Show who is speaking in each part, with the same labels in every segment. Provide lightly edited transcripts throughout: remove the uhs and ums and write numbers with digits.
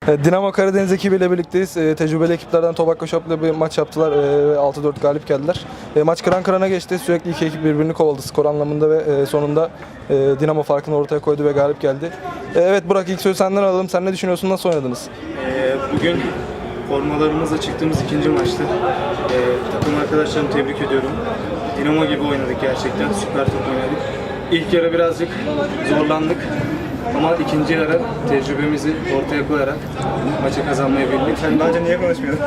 Speaker 1: Dinamo Karadeniz ekibiyle birlikteyiz. Tecrübeli ekiplerden Tobacco Shop'la bir maç yaptılar ve 6-4 galip geldiler. Maç kıran kırana geçti. Sürekli iki ekip birbirini kovaladı skor anlamında ve sonunda Dinamo farkını ortaya koydu ve galip geldi. Evet Burak, ilk sözü senden alalım. Sen ne düşünüyorsun? Nasıl oynadınız?
Speaker 2: Bugün formalarımızla çıktığımız ikinci maçtı. Takım arkadaşlarımı tebrik ediyorum. Dinamo gibi oynadık gerçekten. Süper top oynadık. İlk yarı birazcık zorlandık. Ama ikinci yarı tecrübemizi ortaya koyarak maçı kazanmayı bildik.
Speaker 3: Sen daha önce niye konuşmuyordun?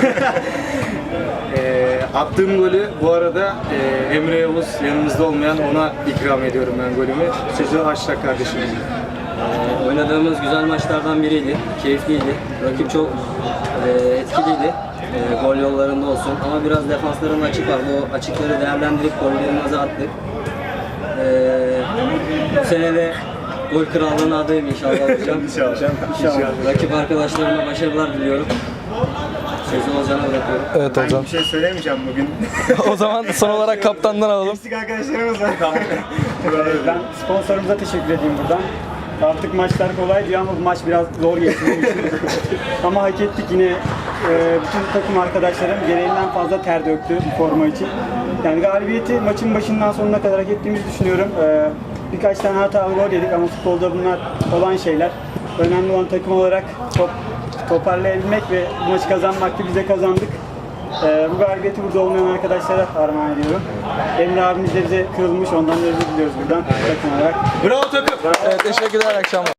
Speaker 2: Attığım golü bu arada Emre Yavuz yanımızda olmayan ona ikram ediyorum ben golümü. Sözü Haşrak kardeşim.
Speaker 4: Oynadığımız güzel maçlardan biriydi. Keyifliydi. Rakip çok etkiliydi. Gol yollarında olsun. Ama biraz defansların açık var. Bu açıkları değerlendirip gollerimizi attık. Bu sene de gol krallığına adayım inşallah hocam. İnşallah. Rakip arkadaşlarıma başarılar diliyorum. Sözü Ozan'a bırakıyorum.
Speaker 1: Evet
Speaker 3: Ben
Speaker 1: hocam.
Speaker 3: bir şey söylemeyeceğim bugün.
Speaker 1: O zaman son olarak kaptandan alalım.
Speaker 3: Eksik arkadaşlarımız var. Ben sponsorumuza teşekkür edeyim buradan. Artık maçlar kolay diyor ama bu maç biraz zor geçti. Ama hak ettik yine. Bütün takım arkadaşlarım gereğinden fazla ter döktü bu forma için. Yani galibiyeti maçın başından sonuna kadar hak ettiğimizi düşünüyorum. Birkaç tane hatalı gol yedik ama futbolda bunlar olan şeyler. Önemli olan takım olarak toparlayabilmek ve bu maçı kazanmaktı. Biz de kazandık. Bu galibiyeti burada olmayan arkadaşlara armağan ediyorum. Emre abimiz de bize kırılmış, ondan da özür diliyoruz buradan takım olarak.
Speaker 2: Bravo takım!
Speaker 1: Evet, teşekkürler, akşamlar.